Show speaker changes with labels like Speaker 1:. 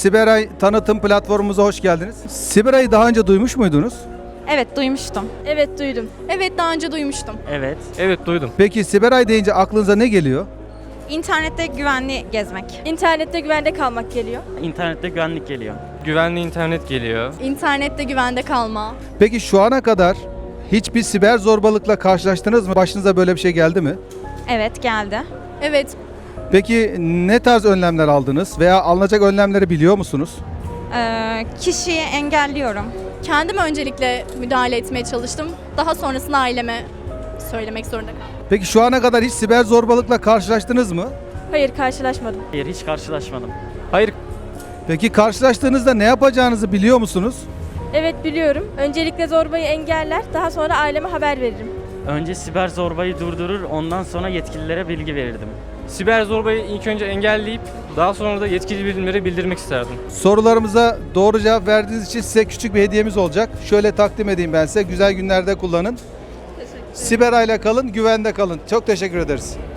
Speaker 1: Siberay tanıtım platformumuza hoş geldiniz. Siberay'ı daha önce duymuş muydunuz?
Speaker 2: Evet, duymuştum.
Speaker 3: Evet duydum. Evet daha önce duymuştum.
Speaker 4: Evet.
Speaker 5: Evet duydum.
Speaker 1: Peki Siberay deyince aklınıza ne geliyor?
Speaker 2: İnternette güvenli gezmek.
Speaker 3: İnternette güvende kalmak geliyor.
Speaker 4: İnternette güvenlik geliyor.
Speaker 5: Güvenli internet geliyor.
Speaker 3: İnternette güvende kalma.
Speaker 1: Peki şu ana kadar hiçbir siber zorbalıkla karşılaştınız mı? Başınıza böyle bir şey geldi mi?
Speaker 2: Evet, geldi.
Speaker 3: Evet.
Speaker 1: Peki ne tarz önlemler aldınız veya alınacak önlemleri biliyor musunuz?
Speaker 2: Kişiyi engelliyorum.
Speaker 3: Kendim öncelikle müdahale etmeye çalıştım. Daha sonrasında aileme söylemek zorunda kaldım.
Speaker 1: Peki şu ana kadar hiç siber zorbalıkla karşılaştınız mı?
Speaker 3: Hayır karşılaşmadım.
Speaker 4: Hayır, hiç karşılaşmadım.
Speaker 5: Hayır,
Speaker 1: Peki karşılaştığınızda ne yapacağınızı biliyor musunuz?
Speaker 3: Evet biliyorum. Öncelikle zorbayı engeller. Daha sonra aileme haber veririm.
Speaker 4: Önce siber zorbayı durdurur, ondan sonra yetkililere bilgi verirdim.
Speaker 5: siber zorbayı ilk önce engelleyip daha sonra da yetkili birimlere bildirmek isterdim.
Speaker 1: Sorularımıza doğru cevap verdiğiniz için size küçük bir hediyemiz olacak. Şöyle takdim edeyim ben size. Güzel günlerde kullanın. Siberay'la kalın, güvende kalın. Çok teşekkür ederiz.